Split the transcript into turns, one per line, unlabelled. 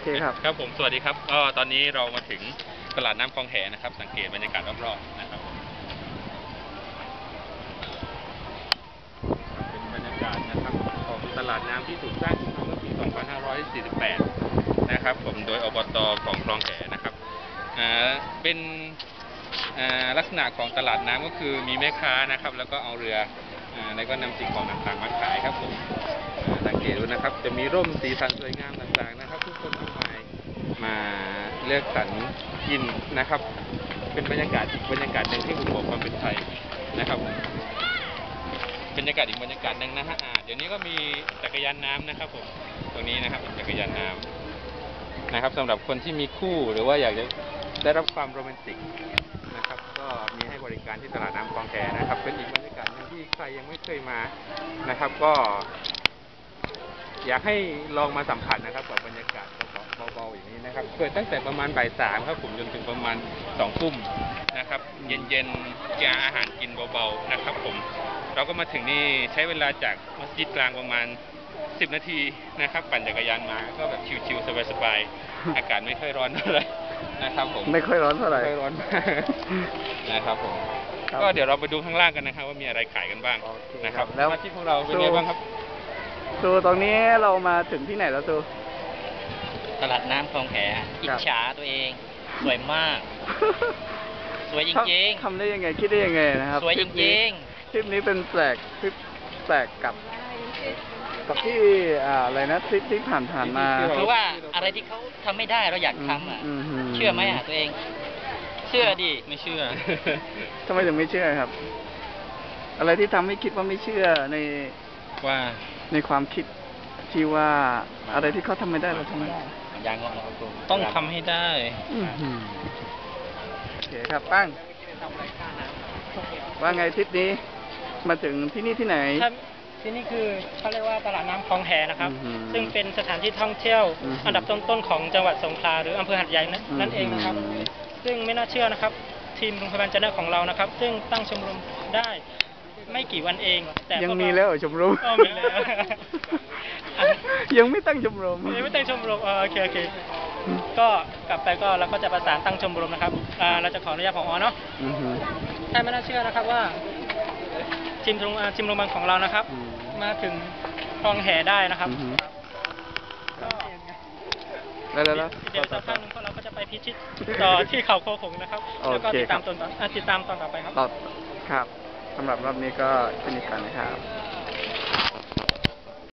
เคครับ
ครับผมสวัสดีครับก็ตอนนี้เรามาถึงตลาดน้ำคลองแหนะครับสังเกตบรรยากาศรอบๆนะครับผมเป็นบรรยากาศนะครับของตลาดน้ำที่ถูกสร้างขึ้นมาเมื่อปี 2548 นะครับผมโดยอบต.ของคลองแหนะครับเป็นลักษณะของตลาดน้ำก็คือมีแม่ค้านะครับแล้วก็เอาเรือแล้วก็นำสิ่งของต่างๆมาขายครับผมสังเกตดูนะครับจะมีร่มสีสันสวยงามต่างๆนะครับทุกคนมากมายมาเลือกสรรกินนะครับเป็นบรรยากาศอีกบรรยากาศหนึ่งที่ผมบอกความเป็นไทยนะครับบรรยากาศอีกบรรยากาศหนึ่งนะฮะเดี๋ยวนี้ก็มีจักรยานน้ำนะครับผมตรงนี้นะครับจักรยานน้ำนะครับสำหรับคนที่มีคู่หรือว่าอยากจะได้รับความโรแมนติกนะครับก็มีให้บริการที่ตลาดน้ำคลองแหนะครับเป็นอีกบรรยากาศหนึ่งที่ใครยังไม่เคยมานะครับก็อยากให้ลองมาสัมผัสนะครับกับบรรยากาศเบาๆอย่างนี้นะครับเปิดตั้งแต่ประมาณบ่าย 3ครับผมจนถึงประมาณ2 ทุ่มนะครับเย็นๆจะอาหารกินเบาๆนะครับผมเราก็มาถึงนี่ใช้เวลาจากมัสยิดกลางประมาณ10 นาทีนะครับปั่นจักรยานมาก็แบบชิวๆสบายๆอากาศไม่ค่อยร้อนเท่าไหร่นะครับผม
ไม่ค่อยร้อนเท่าไหร่
ไม่ค่อยร้อนนะครับผมก็เดี๋ยวเราไปดูข้างล่างกันนะครับว่ามีอะไรขายกันบ้างนะครับแล้วที่พวกเราเป็นไงบ้างครับ
ซูตรงนี้เรามาถึงที่ไหนแล้วซู
ตลาดน้ำคลองแหอิจฉาตัวเองสวยมากสวยจริง
ๆทำได้ยังไงคิดได้ยังไงนะครับ
สวยจริง
ๆคลิปนี้เป็นแปลกคลิปแปลกกับที่อะไรนะคลิปที่ผ่านมา
คือว่าอะไรที่เขาทำไม่ได้เราอยากทำเชื่อไหมตัวเองเชื่อดิ
ไม่เชื่อ
ทำไมถึงไม่เชื่อครับอะไรที่ทำให้คิดว่าไม่เชื่อในความคิดที่ว่าอะไรที่เขาทำไม่ได้เราทำไม่ได้
อย่างเรา
ต้องทำให้ได้
โอเคครับปั้งว่าไงทริปนี้มาถึงที่นี่ที่ไหน
ที่นี่คือเขาเรียกว่าตลาดน้ำคลองแหนะครับซึ่งเป็นสถานที่ท่องเที่ยวอันดับต้นๆของจังหวัดสงขลาหรืออำเภอหัดใหญ่นั่นเองนะครับซึ่งไม่น่าเชื่อนะครับทีมโรงพยาบาลจันทร์ของเรานะครับซึ่งตั้งชมรมได้ไม่กี่วันเอง
แต่ยังมีแล้วชมรม
มีแล้ว
ยังไม่ตั้งชมรม
โอเคก็กลับไปก็เราก็จะประสานตั้งชมรมนะครับเราจะขออนุญาตผอ.เนาะถ้าไม่น่าเชื่อนะครับว่าทีมโรงพยาบาลของเรานะครับมาถึงคลองแหได้นะครับเดี๋ยวสักพักนึงพวกเราก็จะไปพิชิตต่อที่เขาโคหงนะครับแล้วก็ติดตามตอนต่อไปครับ
ครับสำหรับรอบนี้ก็สนิทกันนะครับ